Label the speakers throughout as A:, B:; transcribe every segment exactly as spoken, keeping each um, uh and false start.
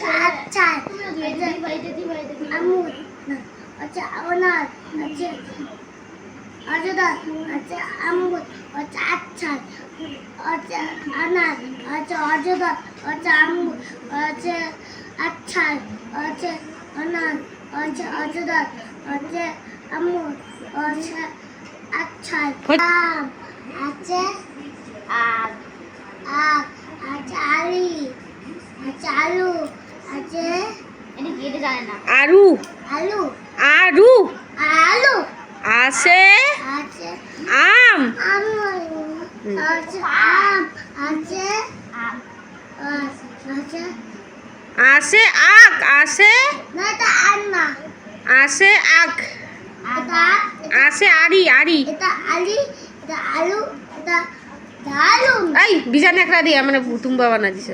A: আচ্ছা আচ্ছা আমুদ আচ্ছা অনার আচ্ছা অজদা আচ্ছা আমুদ আচ্ছা আচ্ছা আচ্ছা অনার আচ্ছা অজদা আচ্ছা আমুদ আচ্ছা আচ্ছা আচ্ছা অনার আচ্ছা অজদা আচ্ছা আমুদ আচ্ছা আচ্ছা আম আচ্ছা আম আম আচ্ছা আলি আচ্ছা আলু আচ্ছা এটা কি এটা জানে না
B: আরু
A: আলু
B: আরু
A: আলু
B: আসে
A: আছে
B: আম
A: আম আছে আম আছে আম আছে
B: আসে আখ আসে
A: না এটা আম না
B: আসে আখ
A: এটা
B: আসে আরি আরি
A: এটা আলি এটা আলু এটা আলু
B: এই বিজান একটা দিয়ে মানে তুম বাবা না দিস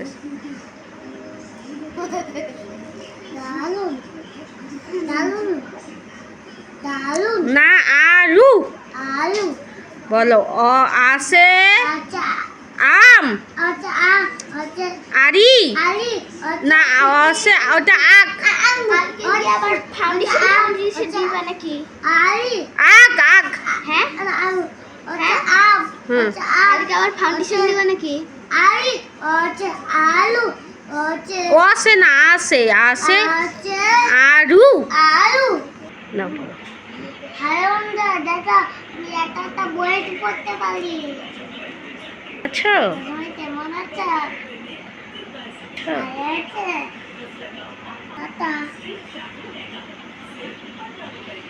A: আলু আলু আলু
B: না আরু
A: আলু
B: বলো অ আসে
A: আচ্ছা
B: আম
A: আচ্ছা আম আচ্ছা
B: আরি
A: আলি
B: না আসে ওটা আখ
A: আম আবার ফাউন্ডেশন ফাউন্ডেশন দিবা নাকি আলি
B: আখ আখ
A: হ্যাঁ আলু আচ্ছা আম আচ্ছা আলু আবার ফাউন্ডেশন দিবা নাকি আলি আচ্ছা আলু আচ্ছা
B: ও আসে না আসে আসে
A: আচ্ছা
B: আরু
A: আলু
B: না
A: হ্যালো বন্ধুরা দেখো আমি একটা একটা বই পড়তে পারি
B: আচ্ছা
A: তুমি কেমন আছো
B: আচ্ছা
A: ভালো আছে টাটা